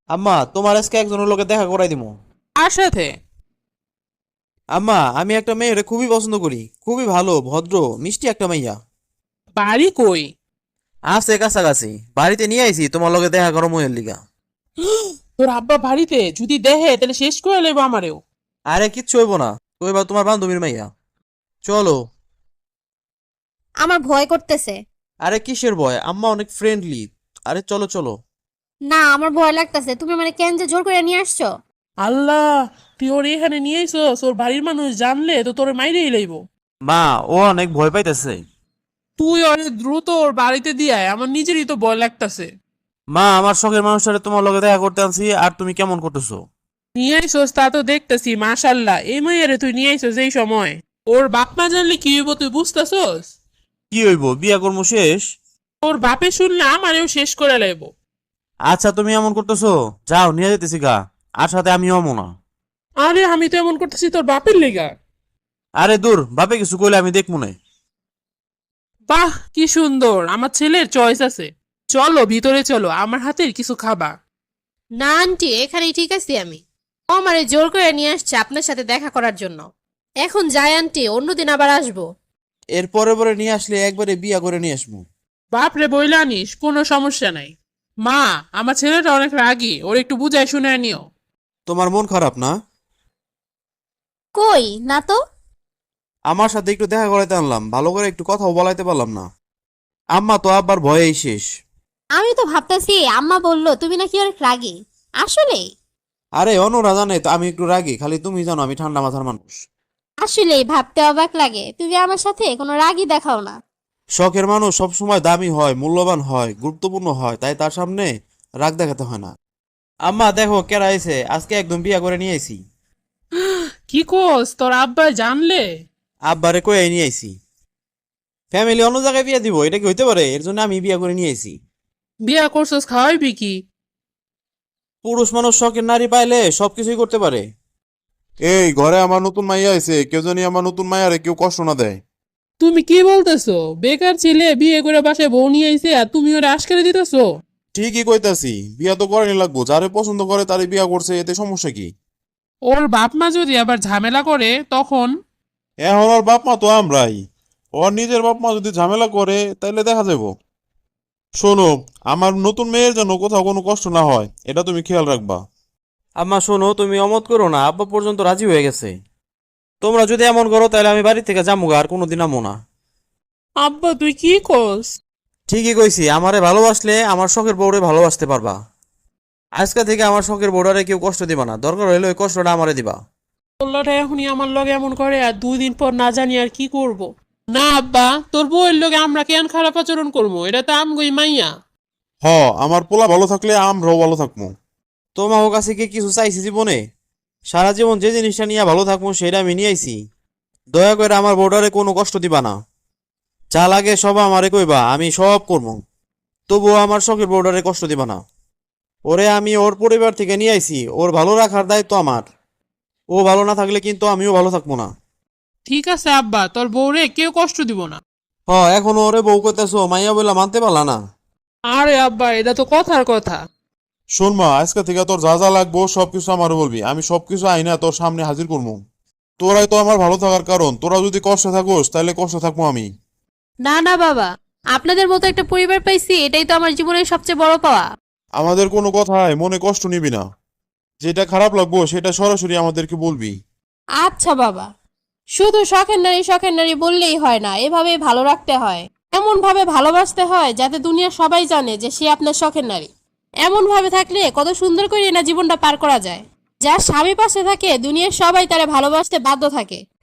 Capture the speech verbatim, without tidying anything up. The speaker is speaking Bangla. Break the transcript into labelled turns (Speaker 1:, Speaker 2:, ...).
Speaker 1: আম্মা, তোমার আজকে একজনের লোকে দেখা করাই দিমু।
Speaker 2: কার সাথে?
Speaker 1: আম্মা, আমি একটা মেয়েরে খুবই পছন্দ করি, খুবই ভালো, ভদ্র, মিষ্টি একটা মাইয়া।
Speaker 2: বাড়ি কই?
Speaker 1: আছে কাছাকাছি, বাড়িতে নিয়ে আইছি তোমার লগে দেখা করো ময়ের লিগা।
Speaker 2: তোর আব্বা বাড়িতে যদি দেহে তাহলে শেষ করে লেবো আমারেও।
Speaker 1: আরে কিচ্ছু হইব না, কইবা তোমার বান্ধবীর মাইয়া। চলো।
Speaker 3: আমার ভয় করতেছে।
Speaker 1: আরে কিসের ভয়, আম্মা অনেক ফ্রেন্ডলি। আরে চলো চলো।
Speaker 3: না, আমার ভয় লাগতেছে। তুমি মানে কেন যে জোর করে নিয়ে আসছো?
Speaker 2: আল্লাহ, তুই ওর এখানে নিয়ে আইসস, ওর বাড়ির মানুষ জানলে তো তোর মাইরেই লইব।
Speaker 1: মা, ও অনেক ভয় পাইতেছে।
Speaker 2: তুই অনেক দ্রুত ওর বাড়িতে দিয়ে আয়, আমার নিজেরই তো ভয় লাগতাছে।
Speaker 1: মা, আমার শখের মানুষটারে তোমার লগে দেখা করতে আনছি, আর তুমি কেমন করতেছো?
Speaker 2: নিয়ে আইসস তা তো দেখতেছি, মাশাল্লাহ। এই মাইয়ারে তুই নিয়ে আইসস এই সময়। ওর বাপ মা জানলে কি হইব তুই বুঝতেছস?
Speaker 1: কি হইব, বিয়া কর্ম শেষ।
Speaker 2: ওর বাপে শুনলে আমারেও শেষ করে লাইব।
Speaker 1: আচ্ছা, তুমি এমন করতেছো, যাও নিয়ে যেতেছি গা। আর সাথে আমিও আমো না।
Speaker 2: আরে আমি তো এমন করতেছি তোর বাপের লেগা।
Speaker 1: আরে দূর, বাপে কিছু কইলে আমি দেখবো না।
Speaker 2: বাহ, কি সুন্দর, আমার ছেলের চয়েস আছে। চলো ভিতরে চলো, আমার হাতের কিছু খাবা।
Speaker 3: না আন্টি, এখানেই ঠিক আছি আমি। ও আমারে জোর করে নিয়ে আসছে আপনার সাথে দেখা করার জন্য। এখন যাই আন্টি, অন্যদিন আবার আসবো।
Speaker 1: এর পরে পরে নিয়ে আসলে একবারে বিয়া করে নিয়ে আসবো।
Speaker 2: বাপরে বইলা আনিস, কোনো সমস্যা নাই। মা, আমার ছেলেটা অনেক রাগী, ওর একটু বুঝায় শুনে নিও।
Speaker 1: তোমার মন খারাপ না?
Speaker 3: কই না তো।
Speaker 1: আমার সাথে একটু দেখা করাইতে আনলাম, ভালো করে একটু কথাও বলাইতে পারলাম না। আম্মা তো আব্বার ভয়েই শেষ।
Speaker 3: আমি তো ভাবতেছি আম্মা বললো তুমি নাকি অনেক রাগী। আসলে
Speaker 1: আরে অন্যরা জানে তো আমি একটু রাগি, খালি তুমি জানো আমি ঠান্ডা মাথার মানুষ।
Speaker 3: আসলেই ভাবতে অবাক লাগে, তুমি আমার সাথে কোনো রাগই দেখাও না।
Speaker 1: শখের মানুষ সবসময় দামি হয়, মূল্যবান হয়, গুরুত্বপূর্ণ হয়, তাই তার সামনে রাগ দেখাতে হয় না। আম্মা দেখো কেরা আইছে, আজকে একদম বিয়া করে নিয়ে আইছি।
Speaker 2: কি কোস, তোর আব্বা জানলে?
Speaker 1: আব্বারে কই নিয়ে আইছি। ফ্যামিলি অন্য জায়গায় বিয়া দিব, এটা কি হইতে পারে? এর জন্য আমি বিয়া করে নিয়ে আইছি।
Speaker 2: বিয়া করছস, খাওয়াইবি কি?
Speaker 1: পুরুষ মানুষ শখের নারী পাইলে সবকিছুই করতে পারে।
Speaker 4: এই ঘরে আমার নতুন মাইয়া আইছে, কেউ জানি আমার নতুন মাইয়ারে কেউ কষ্ট না দেয়।
Speaker 2: তুমি কি বলতেছো? বেকার ছেলে বিয়ে করে বাসায় বউ নিয়ে আইছে আর তুমি ওরা আশকারে দিতেছো?
Speaker 4: ঠিকই কইতাছি, বিয়া তো করেনি লাগবো, যারে পছন্দ করে তারে বিয়া করছে, এতে সমস্যা কি?
Speaker 2: ওর বাপ মা যদি আবার ঝামেলা করে তখন?
Speaker 4: এখন ওর বাপ মা তো আমরাই। ওর নিজের বাপ মা যদি ঝামেলা করে তাইলে দেখা যাবো। শোনো, আমার নতুন মেয়ের যেন কোথাও কোনো কষ্ট না হয়, এটা তুমি খেয়াল রাখবা।
Speaker 1: আম্মা শোনো, তুমি অমত করো না, আব্বা পর্যন্ত রাজি হয়ে গেছে। তোমরা যদি এমন করো তাহলে আমি বাড়ি থেকে যাবো আর কোনোদিন আমো না।
Speaker 2: আব্বা তুই কি কোস?
Speaker 1: ঠিকই কইছি, আমারে ভালোবাসলে আমার শখের বউরে ভালোবাসতে পারবা। আজকে থেকে আমার শখের বউটারে কেউ কষ্ট দিবা না, দরকার হইলে ওই কষ্টটা আমারে দিবা।
Speaker 2: তোল্লাটা এখনই আমার লগে এমন করে আর দুই দিন পর না জানি আর কি করব। না আব্বা, তোর বউয়ের লগে আমরা কেন খারাপ আচরণ করবো? এটা তো আমগই মাইয়া।
Speaker 4: হ, আমার পোলা ভালো থাকলে আমরাও ভালো থাকবো।
Speaker 1: তোমার কাছে কি কিছু চাইছি জীবনে? সারা জীবন যে জিনিসটা নিয়ে ভালো থাকবো সেটা আমি নিয়ে আইছি। দয়া করে আমার বউটারে কোনো কষ্ট দিবা না। যা লাগে সব আমারে কইবা, আমি সব করবো। তবুও আমার শখের বউটারে কষ্ট দিবা না। ওরে আমি ওর পরিবার থেকে নিয়ে আইছি, ওর ভালো রাখার দায়িত্ব আমার। ও ভালো না থাকলে কিন্তু আমিও ভালো থাকবো না।
Speaker 2: ঠিক আছে আব্বা, তোর বউরে কেউ কষ্ট দিব না।
Speaker 1: হ, এখনো ওরে বউ কইতেছো, মাইয়া বইলা মানতে পারলা না।
Speaker 2: আরে আব্বা, এটা তো কথার কথা।
Speaker 4: শোন মা, আজকে থেকে তোর যা যা লাগবো সবকিছু আমার বলবি, আমি সবকিছু আইনা তোর সামনে হাজির করবো। তোরাই তো আমার ভালো থাকার কারণ, তোরা যদি কষ্টে থাকোস তাহলে কষ্ট থাকবো আমি।
Speaker 3: না না বাবা, আপনাদের মতো একটা পরিবার পাইছি, এটাই তো আমার জীবনের সবচেয়ে বড় পাওয়া।
Speaker 4: আমাদের কোনো কথায় মনে কষ্ট নিবি না, যেটা খারাপ লাগবো সেটা সরাসরি আমাদেরকে বলবি।
Speaker 3: আচ্ছা বাবা, শুধু শখের নারী শখের নারী বললেই হয় না, এভাবে ভালো রাখতে হয়। এমন ভাবে ভালোবাসতে হয় যাতে দুনিয়া সবাই জানে যে সে আপনার শখের নারী। এমন ভাবে থাকলে কত সুন্দর করে না জীবনটা পার করা যায়। যার স্বামী পাশে থাকে দুনিয়ার সবাই তারে ভালোবাসতে বাধ্য থাকে।